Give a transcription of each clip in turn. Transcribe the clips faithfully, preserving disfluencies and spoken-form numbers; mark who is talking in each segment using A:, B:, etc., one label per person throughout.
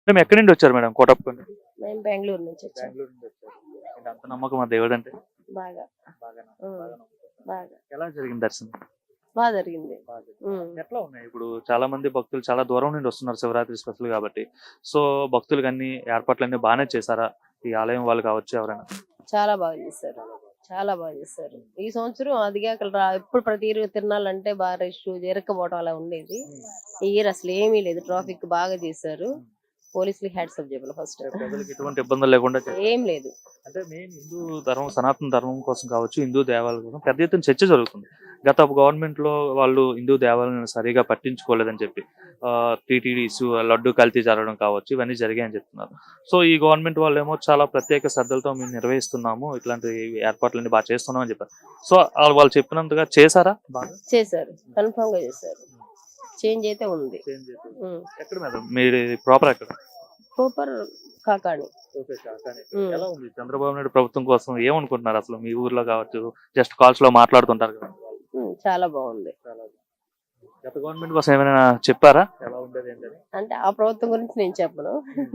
A: మేము ఎక్కడి నుండి వచ్చారు మేడం కోటప్పకొండ?
B: మేము బెంగళూరు నుంచి వచ్చాం.
A: బెంగళూరు నుండి వచ్చారు. ఏంటి అంత నమ్మకం మా దేవుడు అంటే?
B: బాగా
A: బాగానే
B: ఉమ్,
A: బాగా నమ్ముతారు.
B: బాగా
A: ఎలా జరిగింది దర్శనం?
B: బాగా జరిగింది.
A: బాగా జరిగింది.
B: ఉమ్.
A: ఎట్లా ఉన్నాయి ఇప్పుడు చాలా మంది భక్తులు చాలా దూరం నుండి వస్తున్నారు శివరాత్రి స్పెషల్ కాబట్టి. సో భక్తులకు అన్ని ఏర్పాట్లన్నీ బాగానే చేశారా ఈ ఆలయం వాళ్ళు కావచ్చు ఎవరైనా?
B: చాలా బాగా చేశారు. చాలా బాగా చేశారు. ఈ సంవత్సరం అదిగా అక్కడ రా- ఎప్పుడు ప్రతి ఇరు తిరణాలంటే బాగా రష్ ఇరక్కపోవడం అలా ఉండేది. ఈ ఇయర్ అసలు ఏమీ లేదు. ట్రాఫిక్ బాగా చేశారు. పోలీసులు హ్యాట్సప్ చెప్పాలి ఫస్ట్.
A: ప్రజలకు ఎటువంటి ఇబ్బందులు లేకుండా చేశారు.
B: ఏం లేదు.
A: అంటే మెయిన్ హిందూ ధర్మం సనాతన ధర్మం కోసం కావచ్చు హిందూ దేవాలయాల కోసం పెద్ద ఎత్తున చర్చ జరుగుతుంది. గత గవర్నమెంట్ లో వాళ్ళు హిందూ దేవాలయాలను సరిగా పట్టించుకోలేదని చెప్పి టీటీడీ ఇష్యూ లడ్డు కల్తీ జరగడం కావచ్చు ఇవన్నీ జరిగాయని చెప్తున్నారు. సో ఈ గవర్నమెంట్ వాళ్ళు ఏమో చాలా ప్రత్యేక శ్రద్ధలతో మేము నిర్వహిస్తున్నాము ఇట్లాంటి ఏర్పాట్లన్నీ బాగా చేస్తున్నాం అని చెప్పారు. సో వాళ్ళు వాళ్ళు చెప్పినంతగా చేశారా? బాగా
B: చేశారు. కన్ఫర్మ్ గా చేశారు. చేంజ్ అయితే ఉంది.
A: చేంజ్ చేశారు. ఎక్కడ మేడం మీరు ప్రాపర్ ఎక్కడ?
B: సూపర్ కాకాని.
A: ఓకే, కాకాని.
B: ఉమ్.
A: ఎలా ఉంది చంద్రబాబు నాయుడు ప్రభుత్వం కోసం ఏమనుకుంటున్నారు అసలు మీ ఊర్లో కావచ్చు జస్ట్ కాల్స్ లో మాట్లాడుతుంటారు కదా?
B: ఉమ్, చాలా బాగుంది.
A: గత గవర్నమెంట్ కోసం ఏమైనా చెప్పారా ఎలా ఉండేది ఏంటని?
B: అంటే ఆ ప్రభుత్వం గురించి నేను చెప్పను.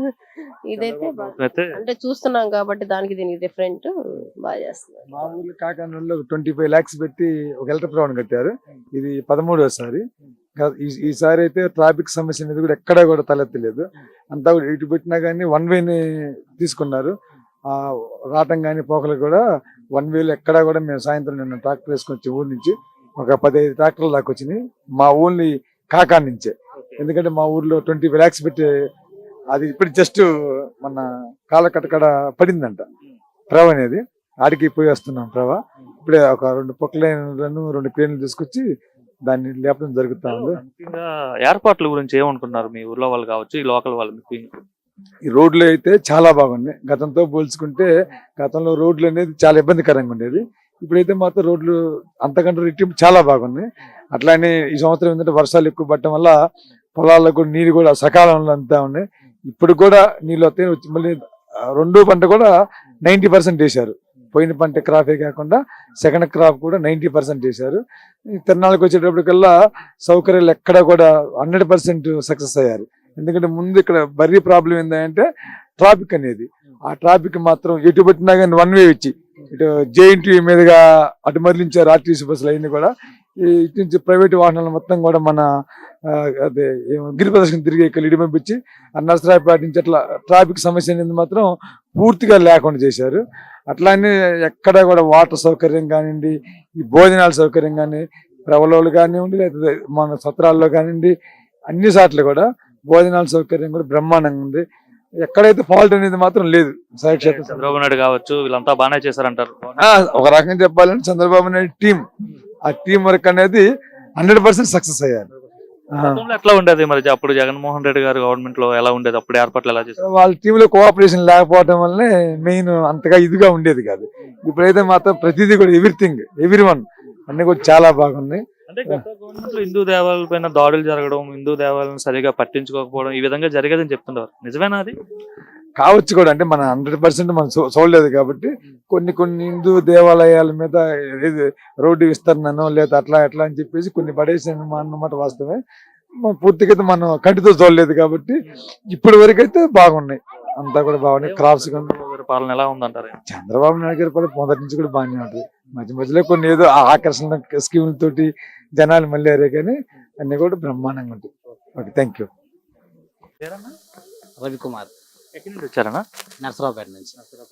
B: ఇదైతే బా-
A: అయితే
B: అంటే చూస్తున్నాం కాబట్టి దానికి దీనికి డిఫరెంట్ బాగా చేస్తున్నారు.
C: మా ఊర్లో కాకానూరులో ట్వంటీ ఫైవ్ ల్యాక్స్ పెట్టి ఒక ఎలక్ట్రిక్ రౌండ్ కట్టారు. ఇది పదమూడోసారి. గా- ఈ- ఈసారి అయితే ట్రాఫిక్ సమస్య అనేది కూడా ఎక్కడా కూడా తలెత్తలేదు. అంతా కూడా ఇటు పెట్టినా కానీ వన్ వేని తీసుకున్నారు. ఆ రావటం కానీ పోకలు కూడా వన్ వేలు ఎక్కడా కూడా మేము సాయంత్రం నిన్న ట్రాక్టర్ వేసుకొని వచ్చి ఊరి నుంచి ఒక పదిహేను ట్రాక్టర్లు దాకా వచ్చినాయి మా ఓన్లీ కాకా నుంచే. ఎందుకంటే మా ఊర్లో ట్వంటీ ఫైవ్ ల్యాక్స్ పెట్టి అది ఇప్పుడు జస్ట్ మన కాళ్ళ కట్టకడ పడిందంట ప్రవ అనేది. ఆడికి పోయి వస్తున్నాం ప్రవ. ఇప్పుడే ఒక రెండు పొక్కలైనలను రెండు క్రేన్లు తీసుకొచ్చి దాన్ని లేపడం జరుగుతా ఉంది.
A: ముఖ్యంగా ఏర్పాట్ల గురించి ఏమనుకున్నారు మీ ఊర్లో వాళ్ళు కావచ్చు ఈ లోకల్ వాళ్ళు మీకు?
C: ఈ రోడ్లు అయితే చాలా బాగున్నాయి. గతంతో పోల్చుకుంటే గతంలో రోడ్లు అనేది చాలా ఇబ్బందికరంగా ఉండేది. ఇప్పుడైతే మాత్రం రోడ్లు అంతకంటే రెట్టింపు చాలా బాగున్నాయి. అట్లానే ఈ సంవత్సరం ఏంటంటే వర్షాలు ఎక్కువ పడటం వల్ల పొలాలకు నీరు కూడా సకాలంలో అంతా ఉన్నాయి. ఇప్పుడు కూడా నీళ్ళు వస్తాయి. వచ్చి మళ్ళీ ఆ, రెండో పంట కూడా నైంటీ పర్సెంట్ వేశారు. పోయిన పంట క్రాపే కాకుండా సెకండ్ క్రాప్ కూడా నైంటీ పర్సెంట్ వేశారు. ఈ తిరణాలకు వచ్చేటప్పటికల్లా సౌకర్యాలు ఎక్కడ కూడా హండ్రెడ్ పర్సెంట్ సక్సెస్ అయ్యారు. ఎందుకంటే ముందు ఇక్కడ బర్రీ ప్రాబ్లం ఏంటంటే ట్రాఫిక్ అనేది. ఆ ట్రాఫిక్ మాత్రం ఎటు పెట్టినా కానీ వన్ వే ఇచ్చి ఇటు జేఎన్టీ మీదుగా అటు మరలించారు ఆర్టీసీ బస్సులు అవన్నీ కూడా. ఈ ఇటు నుంచి ప్రైవేట్ వాహనాలు మొత్తం కూడా మన ఆ, అదే ఏమో గిరి ప్రదర్శన తిరిగి ఇక్కడ ఇటు పంపించి ఆ నర్సరావుపేట నుంచి అట్లా ట్రాఫిక్ సమస్య అనేది మాత్రం పూర్తిగా లేకుండా చేశారు. అట్లానే ఎక్కడ కూడా వాటర్ సౌకర్యం కానివ్వండి, ఈ భోజనాల సౌకర్యం కానీ ప్రవలోలు కానివ్వండి, లేకపోతే మన సత్రాల్లో కానివ్వండి, అన్ని సార్లు కూడా భోజనాల సౌకర్యం కూడా బ్రహ్మాండంగా ఉంది. ఎక్కడైతే ఫాల్ట్ అనేది మాత్రం లేదు. సాక్షాత్
A: చంద్రబాబు నాయుడు కావచ్చు వీళ్ళంతా బాగానే చేశారంటారు.
C: ఆ, ఒక రకంగా చెప్పాలంటే చంద్రబాబు నాయుడు టీం ఆ టీం వర్క్ అనేది హండ్రెడ్ పర్సెంట్ సక్సెస్ అయ్యారు. ఆ,
A: గతంలో ఎట్లా ఉండేది మరి అప్పుడు జగన్మోహన్ రెడ్డి గారు గవర్నమెంట్ లో ఎలా ఉండేది అప్పుడు ఏర్పాట్లు ఎలా చేశారు?
C: వాళ్ళ టీంలో కోఆపరేషన్ లేకపోవడం వల్లనే మెయిన్ అంతగా ఇదిగా ఉండేది కాదు. ఇప్పుడైతే మాత్రం ప్రతిదీ కూడా ఎవ్రీథింగ్ ఎవ్రీ వన్ అన్ని కూడా చాలా బాగున్నాయి.
A: అంటే గత గవర్నమెంట్ లో హిందూ దేవాలయాల పైన దాడులు జరగడం హిందూ దేవాలయాలను సరిగా పట్టించుకోకపోవడం ఈ విధంగా జరిగేదని చెప్తున్నారు. నిజమేనా అది?
C: కావచ్చు కూడా, అంటే మన హండ్రెడ్ పర్సెంట్ మనం చూ- చూడలేదు కాబట్టి కొన్ని కొన్ని హిందూ దేవాలయాల మీద ఏది రోడ్డు విస్తరణనో లేదా అట్లా ఎట్లా అని చెప్పేసి కొన్ని పడేసాను అన్నమాట వాస్తవమే. మ- పూర్తిగా అయితే మనం కంటితో చూడలేదు కాబట్టి ఇప్పటి వరకు అయితే బాగున్నాయి. అంతా కూడా బాగున్నాయి. క్రాప్స్ కానీ
A: చంద్రబాబు గారి పాలన ఎలా ఉందంటారు?
C: చంద్రబాబు నాయుడు గారి పని మొదటి నుంచి కూడా బాగానే ఉంటుంది. మధ్య మధ్యలో కొన్ని ఏదో ఆ ఆకర్షణ స్కీములతోటి జనాలు మళ్ళీ కానీ అన్ని కూడా బ్రహ్మాండంగా ఉంటాయి. Okay, thank you.
A: పేరన్నా?
D: రవికుమార్,
A: ఎక్కడి నుండి వచ్చారన్నా?
D: నర్సరావుపేట నుంచి.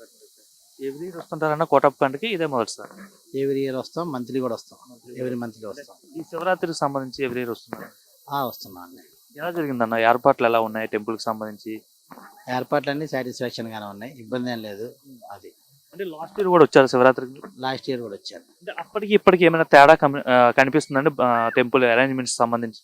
A: ఎవ్రీ ఇయర్ వస్తుంటారన్నా కోటప్పకొండకి ఇదే మొదటిసారి?
D: ఎవ్రీ ఇయర్ వస్తాం, మంత్లీ కూడా వస్తాం. ఎవ్రీ మంత్లీ వస్తాం.
A: ఈ శివరాత్రికి సంబంధించి ఎవ్రీ ఇయర్ వస్తున్నారు.
D: ఆ వస్తున్నాం అండి.
A: ఎలా జరిగిందన్న ఏర్పాట్లు ఎలా ఉన్నాయి టెంపుల్ కి సంబంధించి?
D: ఏర్పాట్లన్నీ సాటిస్ఫాక్షన్ గానే ఉన్నాయి, ఇబ్బంది ఏం లేదు. అది
A: అంటే లాస్ట్ ఇయర్ కూడా వచ్చారు శివరాత్రికి.
D: లాస్ట్ ఇయర్ కూడా వచ్చారు.
A: అంటే అప్పటికి ఇప్పటికి ఏమైనా తేడా కమి- ఆ, కనిపిస్తుందండి టెంపుల్ అరేంజ్మెంట్స్ సంబంధించి?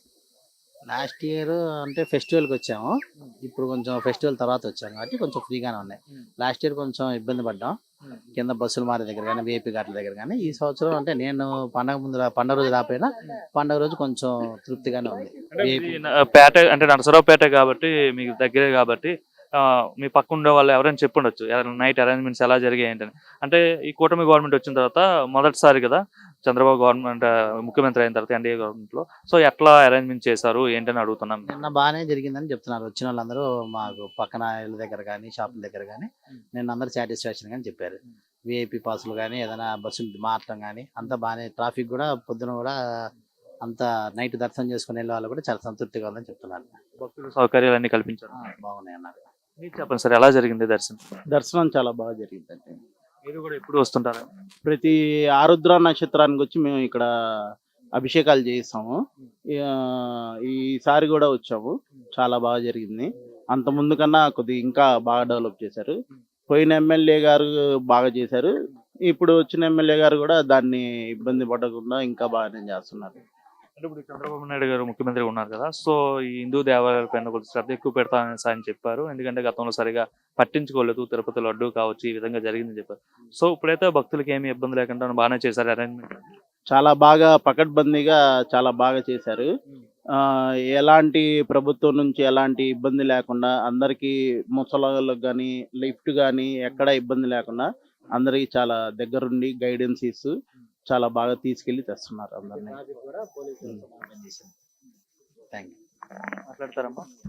D: లాస్ట్ ఇయర్ అంటే ఫెస్టివల్కి వచ్చాము, ఇప్పుడు కొంచెం ఫెస్టివల్ తర్వాత వచ్చాము కాబట్టి కొంచెం ఫ్రీగానే ఉన్నాయి. లాస్ట్ ఇయర్ కొంచెం ఇబ్బంది పడ్డాం కింద బస్సులు మారే దగ్గర కానీ విఐపి ఘాట్ల దగ్గర కానీ. ఈ సంవత్సరం అంటే నేను పండగ ముందు రా- పండగ రోజు రాపోయినా పండగ రోజు కొంచెం తృప్తిగానే ఉంది.
A: అంటే
D: విఐపి
A: ఇది న- పేట అంటే నరసరావుపేట కాబట్టి మీకు దగ్గరే కాబట్టి ఆ, మీ పక్క ఉండే వాళ్ళు ఎవరైనా చెప్పుండొచ్చు నైట్ అరేంజ్మెంట్స్ ఎలా జరిగాయి ఏంటని. అంటే ఈ కూటమి గవర్నమెంట్ వచ్చిన తర్వాత మొదటిసారి కదా చంద్రబాబు గవర్నమెంట్ ముఖ్యమంత్రి అయిన తర్వాత ఎన్డీఏ గవర్నమెంట్ లో, సో ఎట్లా అరేంజ్మెంట్ చేశారు ఏంటని అడుగుతున్నాం.
D: నిన్న బాగానే జరిగిందని చెప్తున్నారు. వచ్చిన వాళ్ళందరూ మాకు పక్కన ఇళ్ళ దగ్గర కానీ షాపుల దగ్గర కానీ నిన్న అందరూ సాటిస్ఫాక్షన్ కానీ చెప్పారు. విఐపి పాసులు కానీ ఏదైనా బస్సులు మారటం కానీ అంతా బాగానే, ట్రాఫిక్ కూడా పొద్దున కూడా అంత నైట్ దర్శనం చేసుకునే వాళ్ళు కూడా చాలా సంతృప్తిగా ఉందని చెప్తున్నారు.
A: భక్తులు సౌకర్యాలు అన్ని కల్పించారు.
D: ఆ, బాగున్నాయి అన్నారు.
A: మీరు చెప్పండి సార్, ఎలా జరిగింది దర్శనం?
E: దర్శనం చాలా బాగా జరిగిందండి.
A: మీరు కూడా ఎప్పుడు వస్తుంటారా?
E: ప్రతి ఆరుద్ర నక్షత్రానికి వచ్చి మేము ఇక్కడ అభిషేకాలు చేయిస్తాము. ఆ, ఈసారి కూడా వచ్చాము, చాలా బాగా జరిగింది. అంత ముందు కన్నా కొద్దిగా ఇంకా బాగా డెవలప్ చేశారు. పోయిన ఎమ్మెల్యే గారు బాగా చేశారు, ఇప్పుడు వచ్చిన ఎమ్మెల్యే గారు కూడా దాన్ని ఇబ్బంది పడకుండా ఇంకా బాగానే చేస్తున్నారు.
A: అంటే ఇప్పుడు చంద్రబాబు నాయుడు గారు ముఖ్యమంత్రి ఉన్నారు కదా, సో ఈ హిందూ దేవాలయాల పైన కొంచెం శ్రద్ధ ఎక్కువ పెడతానని ఆయన చెప్పారు. ఎందుకంటే గతంలో సరిగా పట్టించుకోలేదు, తిరుపతి లడ్డు కావచ్చు ఈ విధంగా జరిగిందని చెప్పారు. సో ఇప్పుడైతే భక్తులకి ఏమి ఇబ్బంది లేకుండా బాగానే చేశారు అరేంజ్మెంట్.
E: చాలా బాగా పకడ్బందీగా చాలా బాగా చేశారు. ఆ, ఎలాంటి ప్రభుత్వం నుంచి ఎలాంటి ఇబ్బంది లేకుండా అందరికీ ముసలాళ్ళకి కానీ లిఫ్ట్ కానీ ఎక్కడ ఇబ్బంది లేకుండా అందరికి చాలా దగ్గరుండి గైడెన్స్ ఇస్తూ చాలా బాగా తీసుకెళ్లి తెస్తున్నారు అందరినీ.
D: Thank you.
A: మాట్లాడతారమ్మా.